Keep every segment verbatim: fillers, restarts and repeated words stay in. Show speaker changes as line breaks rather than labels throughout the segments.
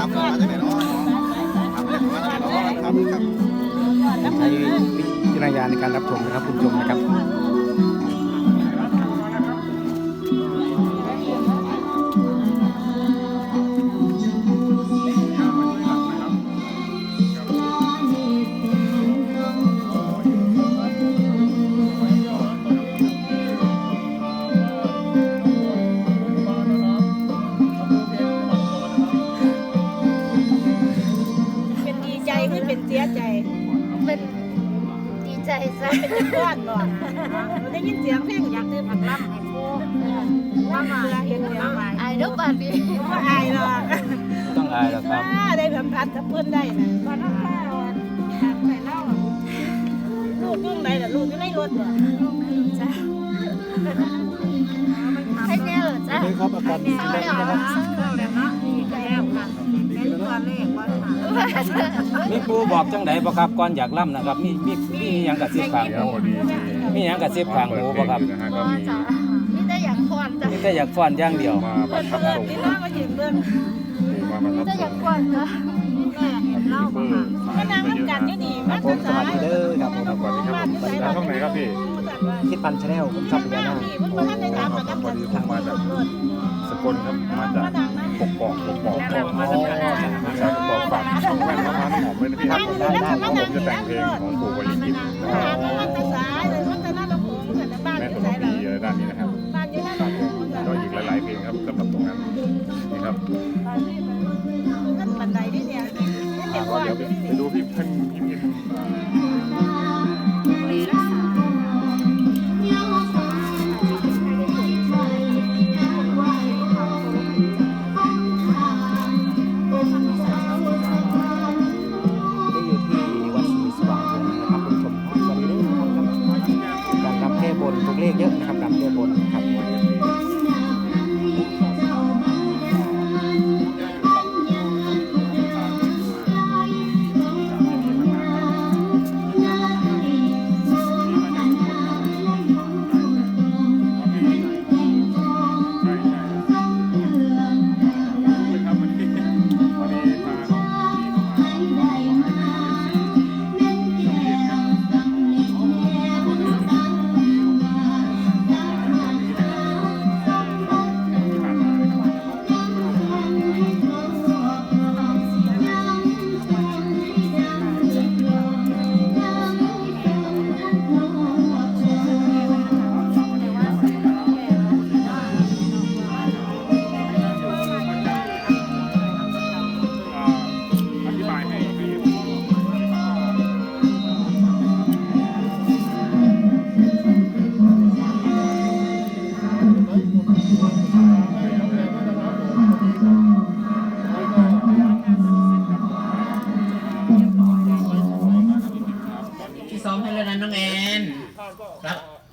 ครับมาจากไหนเนาะครับมาจากไหนเนาะครับครับ
ใช้วิจารณญาณในการรับชมนะครับคุณผู้ชมนะครับ
เป็นดีใจหรือเป็นเสียใจ
เป็นดีใจซะ
เป็นจะก้อนบ่เราได้ยินเสียงเพลงอยากได้ผักล่ำให้ปูว่ามาเห็นแล้ว
อายทุกบัดนี้
ว่าอายหรอก
ต้องอายหรอกครับ
ได้สัมผัสกับเพื่อนได้นะตอนนั้นข้าวใส่เหล้าลูกยุ่งไหนล่ะลูกอยู่ในรถบ่
จ้ะให้แน่เหรอจ้ะ
นี่ครับอาการดี
เศร้า
ขึ้น
แล้
แล้ว
ว
นะครับ
แล้วเนาะแล้วค่ะเป็นตัวเลขว่าค่ะ
มีครูบอกจังไหนบ่ครับก่อนอยากล่ำนะครับมีมีมีหยังกระซิบข้างหูมีหยังกระซิบข้างหูบ่ครับ
พอจ้ะนี่ได้อยากพรจ้ะ
มีแต่อยากฟ้อนอย่างเดียว
มาป
เพื่
ระ
อน
ทับ
เพื่อน
ทรง
ที่น้ามายืนเบื้อง
มาประทั
นี่
บ
ได้
ท
อ
ร
ยาง กพรจ้ะ
แม่เห็นเหล้าบ่ค่ะก็นั่งน้ำกันอยู่นี่มา
ผมสวัสดีเด้อครับผม
สวัสดีครับผมมาช่องไหนครับพี่
คิดปันชาแนลผมทรัพย์พญานาค
เพิ่นบ่ทันได้ถามกัน
พอดีผมมาจากสกลครับมาจากปกปอกปกปอกปกมาจากใช่ปกปอกฝากช่องแว่นมะพร้าวหอมไว้นะพี่ครับผมจะแต่งเพลงของปู่วลีกิจนะครับ
ถามว่ามันจะสายเลยมันจะน่าจะโผล่กันบ้าน
แม่
ที่
ส
ไหน
ม
ล่ะ
บีด้านนี้นะครับ
บ้านอยู่นั่นน่ะ
ก็อีกหลายๆเพลงครับสำหรับตรงนั้นนี่ครับ
นั่นบันไดนี่เนี่ยเห็นว่า
เดี๋ยวไปดูพี่เพิ่นพี่พิม
ได้อยู่ที่วัดศรีสว่างวงศ์นะครับคุณผู้ชมสวัสดีเด้อครับการรำแก้บนถูกเลขเยอะนะครับรำแก้บนนะครับ
อธิบายให้ให้
ที่ซ้อมให้แล้วนะน้องแอนครับ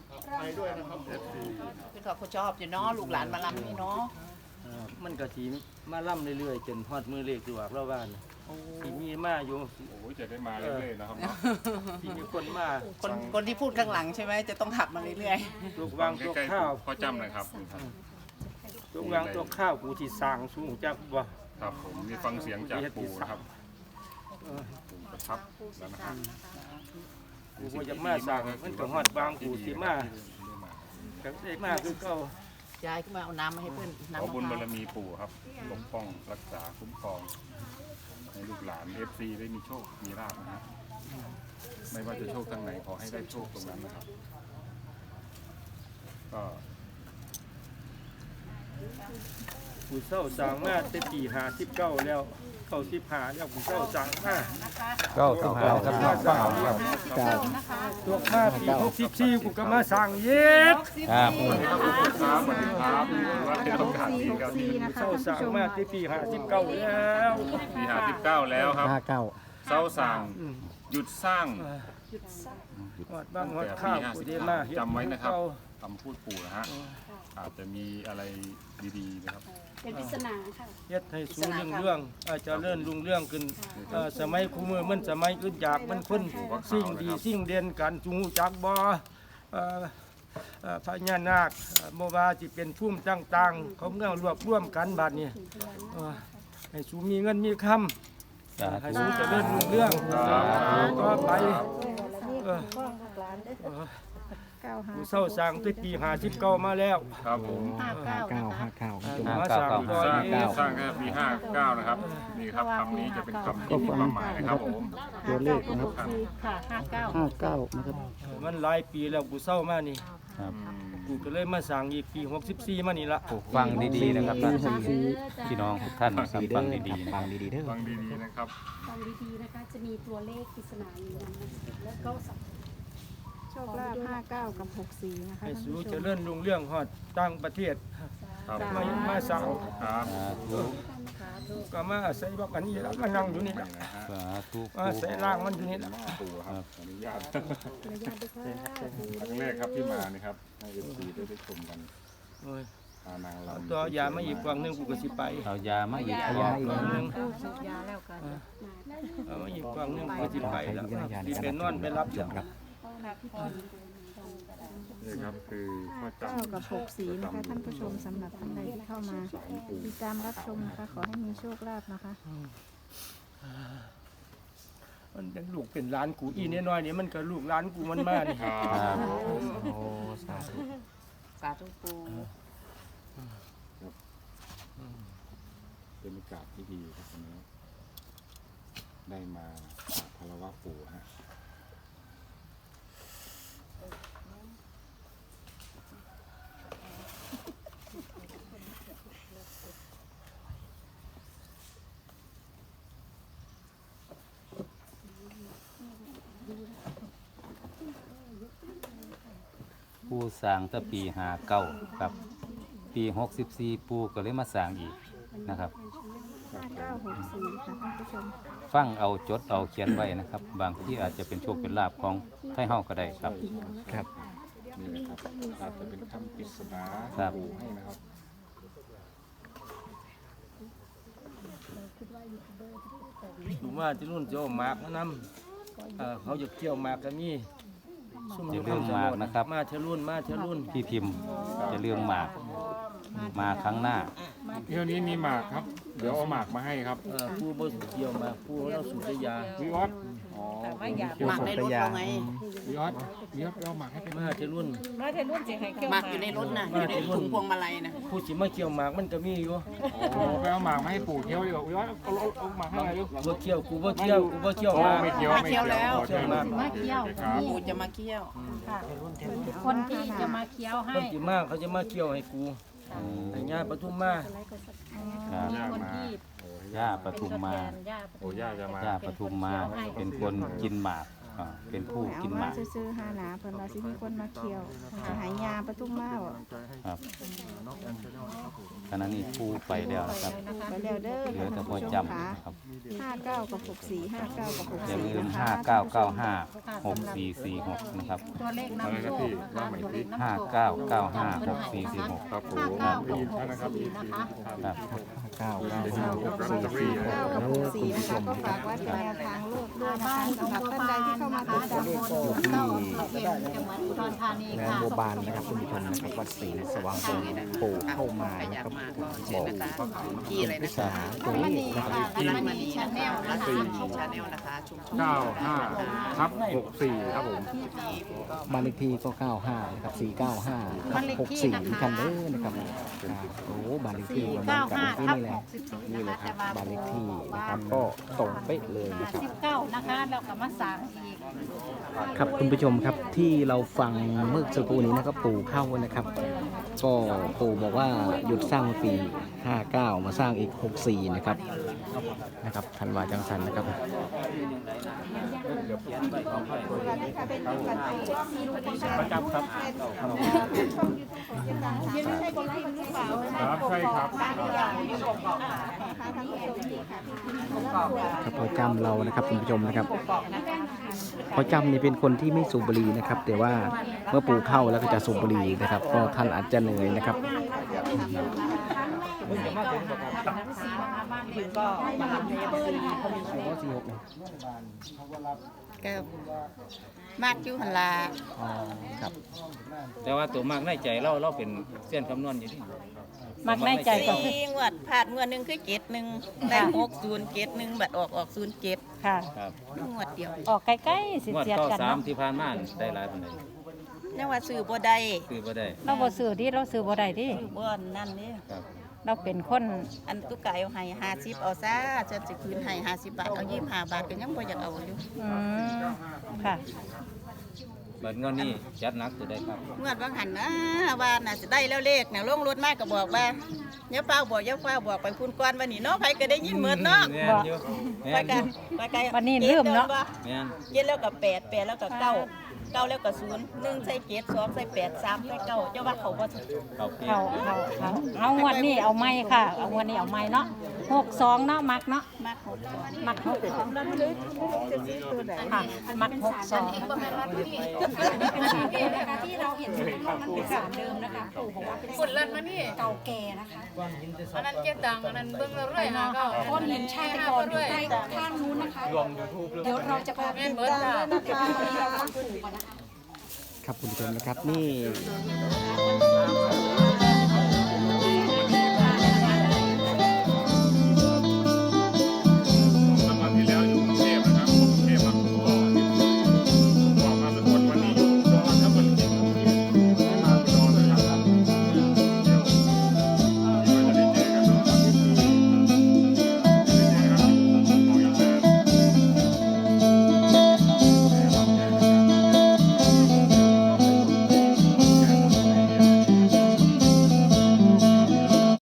คือเขาชอบอยู่เนาะลูกหลานมาลำนี่เนาะ
มันก็สีมาล่ำเรื่อยๆจนฮอดมือเลขตัวอักเราบ้านที่มีมาอยู่
โอ้ยจะได้มาเรื่อยๆนะครับเนาะ
ที่มีคนมา
คนคนที่พูดข้างหลังใช่ไหมจะต้องขับมาเรื่อย
ลูกวางตัว
ใกล้
ข้าว
ๆพ่อจำหน่อยครับ
ลูกวางตัวข้าวกูที่สร้างสูงจักบ่
ครับผมมีฟังเสียงจากปู่นะครับปู่ประทับแล้วนะครับ
กูบ่อยากมาสร้างมันก็ฮอดบางกูสิมาก็ได้มาคือเก่า
ๆยายขึ้นมาเอาน้ำมาให้เพื่อน
ขอ
น้ำ
บุญ
มะ
บาร
พร้าว
มีปู่ครับปกป้องรักษาคุ้มครองให้ลูกหลานเอฟซีได้มีโชคมีลาภนะฮะไม่ว่าจะโชคทางไหนขอให้ได้โชคตรงนั้นนะครับก็
กูเศร้าสร้างมาแต่ปีห้าสิบเก้าแล้วเข้าสิบห้าแล้วกูเศร้าสร้างมา
เก้าสิบห้าครับน้องเก้าครับ
ตัวมาปีหกสิบสี่กูก็มาสร้างเย็บ
ครับ
สวัสดีครับครับสวัสดีครับว่าเป็นโอกาสดีครับที่
เศร้าสร้างมาแต่ปีห้าสิบเก้าแล้ว
ปีห้าสิบเก้าแล้วครับ
ห้าเก้า
เศร้าสั่งหยุดสร้าง
ฮอดบางฮอดข้าวกูได้มาเฮ็ด
จำไว้นะครับ
เก่า
คำพูดปู่นะฮะอาจจะมีอะไรดีๆนะครับ
เป็นปริศนาค่ะ
เฮ็ดให้สูงเรื่องเรื่องอาจจะเลื่อนรุ่งเรื่องขึ้นเอ่อสมัยคู่มือมันสมัยอื่นจากมันคนสิ่งดีสิ่งเด่นกันจูงจักบ่เอ่อเอ่อพญานาคเอ่อบ่ว่าสิเป็นภูมิต่างๆเขาเมื่อรวบรวมกันบัดนี้เอ่อให้สูมีเงินมีคำ
สา
ให้
ธุ
สูเจะเลื่อนรุ่งเรื่องก็ไปเออ
เก้าห้า
ผู้เศร้าสร้างตั้งปีห้าสิบเก้ามาแล้ว
ครับผม
ห้าเก้าห้าเก้า
ห้าเก้า
มาสร้างก่อน
สร้าง
นี้
สร้างแค่ปีห้าเก้านะครับนี่ครับคำนี้จะเป็นคำที่มีความหมายนะครับผม
ตัวเลขนะครับ
ค่ะห้าเก้า
ห้าเก้านะครับ
มันหลายปีแล้วกูเศร้ามานี่
ครับ
กูก็เลยมาสร้างอีกปีหกสิบสี่มานี่ละ
ฟังดีๆนะครับท่านพี่น้องทุกท่านนะครับฟังดีๆฟังดีๆเด้อ
ฟังดีๆนะครับ
ฟังดีๆนะคะ จะมีตัวเลขปริศนาอยู่ในนั้นแล้วก็สับ
โชคลาภห้าเก้ากับหกสี่นะคะ
ให้
ท่าน
สู
ผู้ช
เจะ
ม
เลื่อนรุ่งเรื่องฮอดต่างประเทศ
ครับ
มามาสร้าง
ครับ
สาธุ
ก็มาอาศัยบอกอันนี้ละมานั่งอยู่นี่ละ
นี่นะฮะ
สาธุ
มาอาศัยร่างมันอยู่นี่ละ
ปู่ครับอนุญาตครั้งแรกครับที่มานี่ครับให้เอฟซีได้ได้ชมกัน
โอ้ย
พานาง
เอา
รำ
ตัวยามาอีกกว่างหนึงกูก็สิไป
เอายามาอีก
เอา
ยา
อีกกว่างหนึง
สูบยาแล้วกัน
เอามาอีกกว่างหนึงกูสิไปแล้วที่เป็นนอนไปรับจ้ะ
นี่ครับคือพ
ห้า
ระจัน
เก้า
ทร์
กับหกสี่นะคะท่านผู้ชมสำหรับท่านใดที่เข้ามาติดตามรับชมนะคะขอให้มีโชคลาภนะคะ
มันเป็นลูกเป็นหลานกูอีน้อยๆนี่มันก็ลูกหลานกูมันมานี่
ครับ
ครับโอ้สาธุ
สาธุปู
เป็นโอกาสที่ดีครับวันนี้ได้มาคารวะปู่ฮะ
ปูสร้างตั้งปีห้าเก้าครับ ปีหกสิบสี่ปูก็เลยมาสร้างอีกนะครับ
ห้าเก้าหกสี่ค่ะท่านผู้ชม
ฟังเอาจดเอาเขียนไว้นะครับ บางที่อาจจะเป็นโชคเป็นลาภของไทยเฮาก็ได้ครับครับ
นี่แหละครับอาจจะเป็นคำปริศนา
ครับ
ปู่ให้นะครับ
หนูว่าที่รุ่นจะเอาหมากมานำเอ่อเขาจะเกี่ยวหมากก็มีซุ่ม
อย่าลืมหมากนะครับ
มาเทรุ่นมาเทรุ่น
พี่พิมพ์จะเรื่องหมากมาครั้งหน้า
เที่ยวนี้มีหมากครับ เดี๋ยวเอาหมากมาให้ครับ
เอ่อผู้บ่เกี่ยวหมากผู้เราสูบได้ยา
วิออสอ๋อ
หมักในรถเราไง
วิออสวิออสเอาหมากให้เป็น
มาเทรุ่น
มาเทรุ่นสิให้เกี่ยว
หมักอยู่ในรถน่ะอยู่ในถุงพวงมาลัยนะ
ผู้สิมาเกี่ยวหมากมันก็มีอยู่
อ๋อไปเอาหมากมาให้ปู่เที่ยวดีกว่าวิออสเอาเอาเอาหมากให้อะไรลูก
บ่เกี่ยวกูบ่เกี่ยวกูบ่เกี่ยว
อ๋
ห
อ
มาก
ไม่เที่ยวไม่เที่ยวอ๋อเที่ยวมาก
มาเคี้ยว
ครับ
ปูจะมาเคี่ยว
คนที่จะมาเคี้ยวให้
คนสิมาเขาจะมาเกี่ยวให้กูให้ญาปทุมมา
ครับ
มีคนที่
ย่าปทุมมา
เป็นย่าป
โอ้ย่าจะมา
ย่าปทุมมาเป็นคนกินหมากอ่าเป็นผู้
เอา
กินห
มาม
าก
ซื้อๆหาหนาเพิ่นว่าสิมีคนมาเคี่ยวจะหายยาปทุมมาบ่
ครับขณะนี้ผู้ไปแล้วนะครับ
ไปแล้วเด้อ
เหลือ
ท่าน
แต่พอ
ผู้ชม
จำ
ค่ะ
นะครับ
ห้าเก้ากับหกสี่ห้าเก้ากับหก
อย่า
สี่
ลืม
นะคะ
ห้าเก้าเก้าห้าหกสี่สี่หกนะครับ
ตัวเลขน้ำโชคนะคะตัวเลขน้ำโชค
ห้าเก้าเก้าห้าหกสี่สี่หก
ครับผม
ห้าเก้า
ได้
กับ
ยิน
ห
ท่าน
ก
นะครับ
สี่นะคะ
ครับเก้าเก้า
ได้ยินถูกลอตเตอรี่นะ
เก้ากับหกสี่นะคะก็ฝากไว้เป็นแนวทางลูกด้วยนะคะสำหรับท่านใดที่เข้ามาติดตาม
ตำบลเก้าอำเภอเพ็ญจังหวัดอุดรธานี
แม่
ค่ะ
บัวบานนะครับคุณผู้ชมนะครับวัดศรีนสว่างโพปู่เข้ามา
ใครอ
นะ
ยา
ค
ก
รับ
มาก็
บ
เชิญ
อก
นะคะที่อะไรนะ
สา
คะ
ตัว
ม
เล
ณี
ขนะค
ค่ะ
รับ
รัตมณีชาแนลนะคะ
ชาแนลนะคะชุมชน
เก้าห้าทับหกสี่ครับผม
บ้านเลขที่ก็เก้าห้านะครับสี่เก้าห้าทับหกสี่ที่คันเด้อนะครับอ่าโอ้บ้านเลขที่
สี่
ประมา
เก้า
ณกับ
ห้า
ที่
ทับ
นี่แห
ห
ละ
กสิบสี่
นี่
นะ
เลย
คะ
ครับ
แต่ว่า
บ้านเลขที่นะครับก็ตรงเป๊ะเลยนะครับ
สิบเก้านะคะแล้วก็มาสร้างอีก
ครับคุณผู้ชมครับที่เราฟังเมื่อสักครู่นี้นะครับปู่เข้านะครับ ก็ปู่บอกว่าหยุดสร้างปีห้าเก้ามาสร้างอีกหกสี่นะครับนะครับธันวาจังสันนะครับ
ประจำครับครับใช่ครับ
ครับพอจำเรานะครับคุณผู้ชมนะครับพอจำนี่เป็นคนที่ไม่สูบบุหรี่นะครับ แต่ว่าเมื่อปู่เข้าแล้วก็จะสูบบุหรี่นะครับก็ท่านอาจจะเหนื่อยนะครับ
เพิ่งจะมาเป็นประกันถึงก็มาทำให้เอฟซีเขามี
โอ้สี่หกเนี่ย
ก็มากอยู่หันลา
อ๋อครับ
แต่ว่าตัวมากในใจเราเราเป็นเส้นคำนวณอยู่ที่
มักในใจก็คือ
สี่งวดผ่านงวดหนึ่งคือเจ็ดหนึ่งได้หกศูนย์เจ็ดหนึ่งบัตรออกออกศูนย์เจ็ด
ค่ะ
ครับ
งวดเดียว
ออกใกล้ๆสิ
งวด
เสียด
เก้า
กัน
สาม
เนาะ
ที่ผ่านมาได้หลายปานใด
นี่ว่าซื้อบ่ได้
คือบ่ได้
เราบ่ซื้อที่เราซื้อบ่ได้ที่
ซื้อบ่นั่นนี่
ครับ
เราเป็นคน
อันตุกไก่เอาให้ห้าสิบเอาซะจะสิคืนให้ห้าสิบบาทเอายี่สิบห้าบาทก็ยังบ่อยากเอาอยู่
อืมค่ะ
บัดงวดนี้จัดหนักตัวใดครับ
งวดบางหันนะว่าน่ะสิได้แล้วเลขน่ะลงรถมาก็บอกว่าอย่าเฝ้าบอกอย่าเฝ้าบอกไปคุณก่อนวันนี้เนาะไผก็ได้ยินเหมือนเนาะ
แม่นอยู่แม่
ไป
นอ
กั
ยู่
นไปกัน
วันนี้ลืมเนาะ
แม่น
เจ็ดแล้วก็แปดแปดแล้วก็เก้าเก้าแล้วก็ศูนย์หนึ่งใส่เจ็ดสองใส่แปดสามใส่เก้าเจ้าว่าเขาบ่ถูก
เขาเพีย
เขาเขาเขาเอางวดนี้เอาไม้ค่ะเอางวดนี้เอาไม้เนาะหกสองเนาะมักเนาะ
มากหก
มักหกสองค่ะมักหกสอง
เป็นสามเดิมนะคะที่เราเห็นมันเป็นสามเดิมนะคะปู่บอกว่าเป็น
ฝุ่นเลิศมานี่
เก่าแก่นะคะ
อันนั้นเก็บตังค์อันนั้นเบิ่งเราเรื่อยนะก็
ก้อนหินชาติกรอยู่ใต้ข้างนู้นนะคะ เดี๋ยวเราจะพาไป
แม่น
ดู
เบิดค่ะ
นะคะวันนี้เราต้องปู่ก่อนนะคะ
ครับคุณผู้ชมนะครับนี่